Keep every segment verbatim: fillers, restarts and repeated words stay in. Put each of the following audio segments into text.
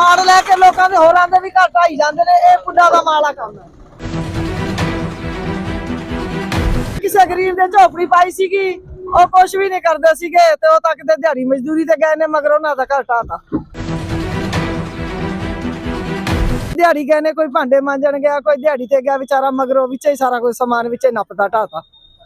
ਆੜ ਲੈ ਕੇ ਲੋਕਾਂ ਦੇ ਹੋਰਾਂ ਦੇ ਵੀ ਘਰ ਢਾਈ ਜਾਂਦੇ ਨੇ। ਇਹ ਪੁੱਡਾ ਦਾ ਮਾਲਾ ਕੰਮ ਹੈ। ਕਿਸੇ ਗਰੀਬ ਦੇ ਝੋਪੜੀ ਪਾਈ ਸੀਗੀ, ਉਹ ਕੁਛ ਵੀ ਨਹੀਂ ਕਰਦੇ ਸੀਗੇ ਤੇ ਉਹ ਤੱਕ ਤੇ ਦਿਹਾੜੀ ਮਜ਼ਦੂਰੀ ਤੇ ਗਏ ਨੇ, ਮਗਰ ਉਹਨਾਂ ਦਾ ਘਰ ਢਾਤਾ। ਦਿਹਾੜੀ ਗਏ ਨੇ, ਕੋਈ ਭਾਂਡੇ ਮਾਂਜਣ ਗਿਆ, ਕੋਈ ਦਿਹਾੜੀ ਤੇ ਗਿਆ ਵਿਚਾਰਾ, ਮਗਰੋਂ ਵਿੱਚ ਹੀ ਸਾਰਾ ਕੋਈ ਸਮਾਨ ਵਿੱਚ ਨੱਪਦਾ ਢਾਤਾ।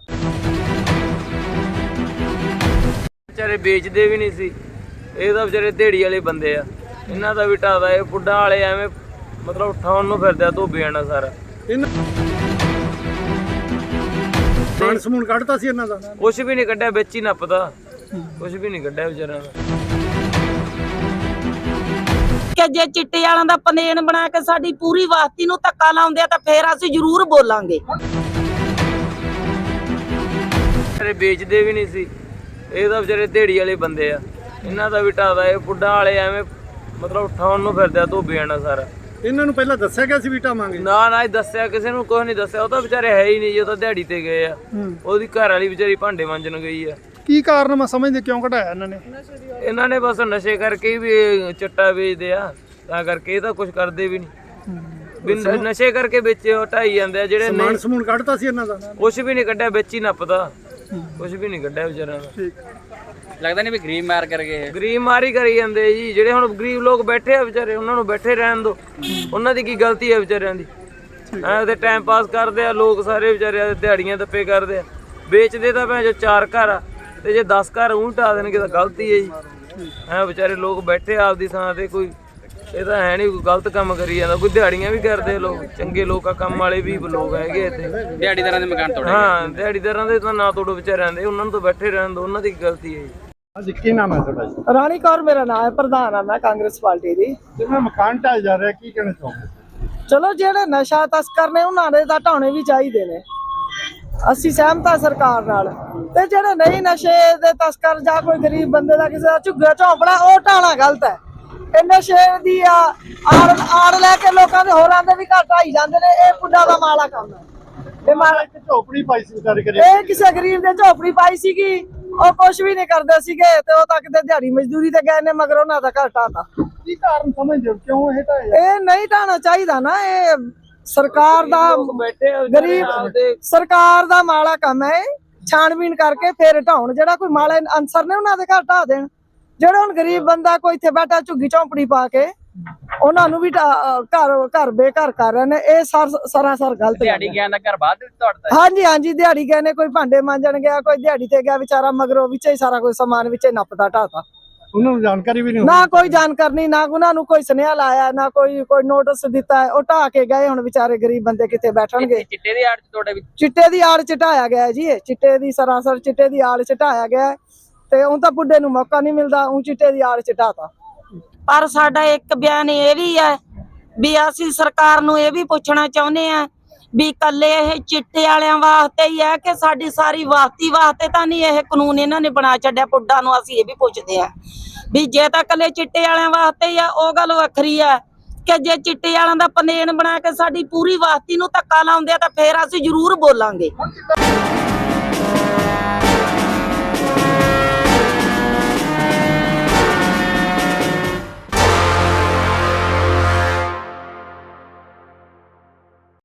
ਵਿਚਾਰੇ ਵੇਚਦੇ ਵੀ ਨਹੀਂ ਸੀ, ਇਹ ਤਾਂ ਵਿਚਾਰੇ ਦਿਹਾੜੀ ਵਾਲੇ ਬੰਦੇ ਆ, ਇਹਨਾਂ ਦਾ ਵੀ ਢਾਦਾ। ਇਹ ਪੁੱਡਾ ਵਾਲੇ ਐਵੇਂ ਮਤਲਬ ਉਠਾਉਣ ਨੂੰ ਫਿਰਦੇ ਆ ਧੋਬਿਆਂ ਨਾਲ ਸਾਰਾ। ਸਮਾਨ ਸਮੂਨ ਕੱਢਤਾ ਸੀ ਇਹਨਾਂ ਦਾ? ਕੁਛ ਵੀ ਨਹੀਂ ਕੱਢਿਆ, ਵਿੱਚ ਹੀ ਨੱਪਦਾ, ਕੁਛ ਵੀ ਨਹੀਂ ਕੱਢਿਆ ਵਿਚਾਰਿਆਂ ਦਾ। ਕਿ ਜੇ ਚਿੱਟੇ ਵਾਲਿਆਂ ਦਾ ਪਲੇਨ ਬਣਾ ਕੇ ਸਾਡੀ ਪੂਰੀ ਵਾਸਤੀ ਨੂੰ ਧੱਕਾ ਲਾਉਂਦੇ ਆ ਤਾਂ ਫੇਰ ਅਸੀਂ ਜ਼ਰੂਰ ਬੋਲਾਂਗੇ। ਵਿਚਾਰੇ ਵੇਚਦੇ ਵੀ ਨਹੀਂ ਸੀ, ਇਹ ਤਾਂ ਵਿਚਾਰੇ ਦਿਹਾੜੀ ਵਾਲੇ ਬੰਦੇ ਆ, ਇਹਨਾਂ ਦਾ ਵੀ ਢਾਦਾ। ਇਹ ਪੁੱਡਾ ਵਾਲੇ ਐਵੇਂ ਮਤਲਬ ਉਠਾਉਣ ਨੂੰ ਫਿਰਦੇ ਆ ਧੋਬਿਆਂ ਨਾਲ ਸਾਰਾ। ਇਹਨਾਂ ਨੂੰ ਪਹਿਲਾਂ ਦੱਸਿਆ ਗਿਆ ਸੀ ਵੀ ਢਾਵਾਂਗੇ? ਨਾ ਨਾ, ਇਹ ਦੱਸਿਆ ਕਿਸੇ ਨੂੰ ਕੁਛ ਨਹੀਂ ਦੱਸਿਆ। ਉਹ ਤਾਂ ਵਿਚਾਰੇ ਹੈ ਹੀ ਨਹੀਂ ਜੀ, ਉਹ ਤਾਂ ਦਿਹਾੜੀ ਤੇ ਗਏ ਆ। ਉਹਦੀ ਘਰ ਵਾਲੀ ਵਿਚਾਰੀ ਭਾਂਡੇ ਮਾਂਜਣ ਗਈ ਆ। ਕੀ ਕਾਰਨ ਮੈਂ ਸਮਝਦੇ ਕਿਉਂ ਘਟਾਇਆ ਇਹਨਾਂ ਨੇ? ਇਹਨਾਂ ਨੇ ਬਸ ਨਸ਼ੇ ਕਰਕੇ ਵੀ ਇਹ ਚਿੱਟਾ ਵੇਚਦੇ ਆ, ਤਾਂ ਕਰਕੇ ਇਹ ਤਾਂ ਕੁਝ ਕਰਦੇ ਵੀ ਨਹੀਂ। ਨਸ਼ੇ ਕਰਕੇ ਵਿੱਚ ਢਾਈ ਜਾਂਦੇ ਆ ਜਿਹੜੇ। ਸਮਾਨ ਸਮੂਨ ਕੱਢਤਾ ਸੀ ਇਹਨਾਂ ਦਾ? ਕੁਛ ਵੀ ਨਹੀਂ ਕੱਢਿਆ, ਵਿੱਚ ਹੀ ਨੱਪਦਾ, ਕੁਛ ਵੀ ਨਹੀਂ ਕੱਢਿਆ ਵਿਚਾਰਿਆਂ ਦਾ। ਲੱਗਦਾ ਨਹੀਂ ਵੀ ਗਰੀਬ ਮਾਰ ਕਰ ਗਏ, ਗਰੀਬ ਮਾਰੀ ਕਰੀ ਜਾਂਦੇ ਜੀ। ਜਿਹੜੇ ਹੁਣ ਗਰੀਬ ਲੋਕ ਬੈਠੇ ਆ ਵਿਚਾਰੇ, ਉਹਨਾਂ ਨੂੰ ਬੈਠੇ ਰਹਿਣ ਦੋ, ਉਹਨਾਂ ਦੀ ਕੀ ਗਲਤੀ ਹੈ ਵਿਚਾਰਿਆਂ ਦੀ? ਐ ਤੇ ਟਾਈਮ ਪਾਸ ਕਰਦੇ ਆ ਲੋਕ ਸਾਰੇ ਵਿਚਾਰੇ, ਦਿਹਾੜੀਆਂ ਦੱਪੇ ਕਰਦੇ ਆ। ਵੇਚਦੇ ਤਾਂ ਭੈਣ ਜੋ ਚਾਰ ਘਰ ਆ, ਤੇ ਜੇ ਦਸ ਘਰ ਊਂ ਢਾ ਦੇਣਗੇ ਤਾਂ ਗਲਤੀ ਹੈ ਜੀ। ਐ ਵਿਚਾਰੇ ਲੋਕ ਬੈਠੇ ਆਪਦੀ ਥਾਂ ਤੇ, ਕੋਈ ਇਹ ਤਾਂ ਹੈ ਨਹੀਂ ਕੋਈ ਗਲਤ ਕੰਮ ਕਰੀ ਜਾਂਦਾ। ਕੋਈ ਦਿਹਾੜੀਆਂ ਵੀ ਕਰਦੇ ਲੋਕ, ਚੰਗੇ ਲੋਕ ਆ, ਕੰਮ ਵਾਲੇ ਵੀ ਲੋਕ ਹੈਗੇ ਇੱਥੇ। ਦਿਹਾੜੀਦਾਰਾਂ ਦੇ ਮਕਾਨ ਤੋੜੇ? ਹਾਂ, ਦਿਹਾੜੀਦਾਰਾਂ ਦੇ ਤਾਂ ਨਾ ਤੋੜੋ ਵਿਚਾਰਿਆਂ ਦੇ, ਉਹਨਾਂ ਨੂੰ ਤਾਂ ਬੈਠੇ ਰਹਿਣ ਦੋ, ਉਹਨਾਂ ਦੀ ਕੀ ਗਲਤੀ ਹੈ ਜੀ। ਅੱਜ ਕੀ ਨਾਮ ਹੈ ਤੁਹਾਡਾ ਜੀ? ਰਾਣੀ ਕੌਰ ਮੇਰਾ ਨਾਮ ਹੈ, ਪ੍ਰਧਾਨ ਆ ਮੈਂ ਕਾਂਗਰਸ ਪਾਰਟੀ ਦੀ। ਜਿਵੇਂ ਮਕਾਨ ਢਾਇਆ ਜਾ ਰਿਹਾ, ਕੀ ਕਹਿਣਾ ਚਾਹੁੰਦੇ? ਚਲੋ ਜਿਹੜੇ ਨਸ਼ਾ ਤਸਕਰ ਨੇ ਉਹਨਾਂ ਦੇ ਤਾਂ ਢਾਉਣੇ ਵੀ ਚਾਹੀਦੇ ਨੇ, ਅਸੀਂ ਸਹਿਮਤ ਆ ਸਰਕਾਰ ਨਾਲ। ਤੇ ਜਿਹੜੇ ਨਹੀਂ ਨਸ਼ੇ ਦੇ ਤਸਕਰ ਜਾਂ ਕੋਈ ਗਰੀਬ ਬੰਦੇ ਦਾ ਕਿਸੇ ਦਾ ਝੁੱਗਾ ਝੌਂਪੜਾ, ਉਹ ਢਾਣਾ ਗਲਤ ਹੈ। ਇਹ ਨਸ਼ੇ ਦੀ ਆ ਆੜ ਆੜ ਲੈ ਕੇ ਲੋਕਾਂ ਦੇ ਹੋਰਾਂ ਦੇ ਵੀ ਘਰ ਢਾਈ ਜਾਂਦੇ ਨੇ। ਇਹ ਪੁੱਡਾ ਦਾ ਮਾਲਾ ਕੰਮ ਹੈ। ਇਹ ਮਾਲਾ ਇੱਕ ਝੋਪੜੀ ਪਾਈ ਸੀ ਵਿਚਾਰੇ ਕਰੇ, ਇਹ ਕਿਸੇ ਗਰੀਬ ਦੇ ਝੋਪੜੀ ਪਾਈ ਸੀਗੀ, ਉਹ ਕੁਛ ਵੀ ਨਹੀਂ ਕਰਦੇ ਸੀਗੇ ਤੇ ਉਹ ਤੱਕ ਤੇ ਦਿਹਾੜੀ ਮਜ਼ਦੂਰੀ ਤੇ ਗਏ ਨੇ, ਮਗਰ ਉਹਨਾਂ ਦਾ ਘਰ ਢਾਤਾ। ਕੀ ਕਾਰਨ ਸਮਝਦੇ ਹੋ ਕਿਉਂ ਇਹ ਢਾਇਆ? ਇਹ ਨਹੀਂ ਢਾਣਾ ਚਾਹੀਦਾ ਨਾ, ਇਹ ਸਰਕਾਰ ਦਾ ਬੈਠੇ ਆ ਗਰੀਬ ਸਰਕਾਰ ਦਾ ਮਾੜਾ ਕੰਮ ਹੈ। ਛਾਣਬੀਨ ਕਰਕੇ ਫੇਰ ਢਾਉਣ, ਜਿਹੜਾ ਕੋਈ ਮਾੜੇ ਅਨਸਰ ਨੇ ਉਹਨਾਂ ਦੇ ਘਰ ਢਾ ਦੇਣ। ਜਿਹੜਾ ਹੁਣ ਗਰੀਬ ਬੰਦਾ ਕੋਈ ਇੱਥੇ ਬੈਠਾ ਝੁੱਗੀ ਝੌਂਪੜੀ ਪਾ ਕੇ, ਉਹਨਾਂ ਨੂੰ ਵੀ ਘਰ ਘਰ ਬੇਘਰ ਕਰ ਰਹੇ ਨੇ। ਇਹ ਸਰਾਸਰ ਗਲਤ। ਦਿਹਾੜੀ ਗਿਆ ਦਾ ਘਰ ਬਾਅਦ ਵਿੱਚ ਤੋੜਦਾ? ਹਾਂਜੀ ਹਾਂਜੀ, ਦਿਹਾੜੀ ਗਏ ਨੇ, ਕੋਈ ਭਾਂਡੇ ਮਾਂਜਣ ਗਿਆ, ਕੋਈ ਦਿਹਾੜੀ ਤੇ ਗਿਆ ਵਿਚਾਰਾ, ਮਗਰੋਂ ਵਿੱਚ ਹੀ ਸਾਰਾ ਕੋਈ ਸਮਾਨ ਵਿੱਚ ਨੱਪਦਾ ਢਾਤਾ। ਉਹਨਾਂ ਨੂੰ ਜਾਣਕਾਰੀ ਵੀ ਨਹੀਂ? ਨਾ ਕੋਈ ਜਾਣਕਾਰੀ, ਨਾ ਉਹਨਾਂ ਨੂੰ ਕੋਈ ਸੁਨੇਹਾ ਲਾਇਆ, ਨਾ ਕੋਈ ਕੋਈ ਨੋਟਿਸ ਦਿੱਤਾ ਹੈ। ਉਹ ਢਾ ਕੇ ਗਏ। ਹੁਣ ਵਿਚਾਰੇ ਗਰੀਬ ਬੰਦੇ ਕਿੱਥੇ ਬੈਠਣਗੇ? ਚਿੱਟੇ ਦੀ ਆੜ ਚ ਤੁਹਾਡੇ ਵਿੱਚ? ਚਿੱਟੇ ਦੀ ਆੜ ਚ ਢਾਇਆ ਗਿਆ ਜੀ, ਇਹ ਚਿੱਟੇ ਦੀ ਸਰਾਸਰ ਚਿੱਟੇ ਦੀ ਆੜ ਚ ਢਾਇਆ ਗਿਆ। ਤੇ ਉਹ ਤਾਂ ਬੁੱਢੇ ਨੂੰ ਮੌਕਾ ਨਹੀਂ ਮਿਲਦਾ, ਉਹ ਚਿੱਟੇ ਦੀ ਆੜ ਚ ਢਾਤਾ। ਪਰ ਸਾਡਾ ਇੱਕ ਬਿਆਨ ਇਹ ਵੀ ਹੈ ਵੀ ਅਸੀਂ ਸਰਕਾਰ ਨੂੰ ਇਹ ਵੀ ਪੁੱਛਣਾ ਚਾਹੁੰਦੇ ਆ ਵੀ ਕੱਲੇ ਇਹ ਚਿੱਟੇ ਵਾਲਿਆਂ ਵਾਸਤੇ ਹੀ ਹੈ ਕਿ ਸਾਡੀ ਸਾਰੀ ਵਾਸਤੀ ਵਾਸਤੇ ਤਾਂ ਨਹੀਂ ਇਹ ਕਾਨੂੰਨ ਇਹਨਾਂ ਨੇ ਬਣਾ ਛੱਡਿਆ ਪੁੱਡਾ ਨੂੰ? ਅਸੀਂ ਇਹ ਵੀ ਪੁੱਛਦੇ ਆ ਵੀ ਜੇ ਤਾਂ ਕੱਲੇ ਚਿੱਟੇ ਵਾਲਿਆਂ ਵਾਸਤੇ ਹੀ ਆ, ਉਹ ਗੱਲ ਵੱਖਰੀ ਆ ਕਿ ਜੇ ਚਿੱਟੇ ਵਾਲਿਆਂ ਦਾ ਪਲੇਨ ਬਣਾ ਕੇ ਸਾਡੀ ਪੂਰੀ ਵਾਸਤੀ ਨੂੰ ਧੱਕਾ ਲਾਉਂਦੇ ਆ ਤਾਂ ਫੇਰ ਅਸੀਂ ਜ਼ਰੂਰ ਬੋਲਾਂਗੇ।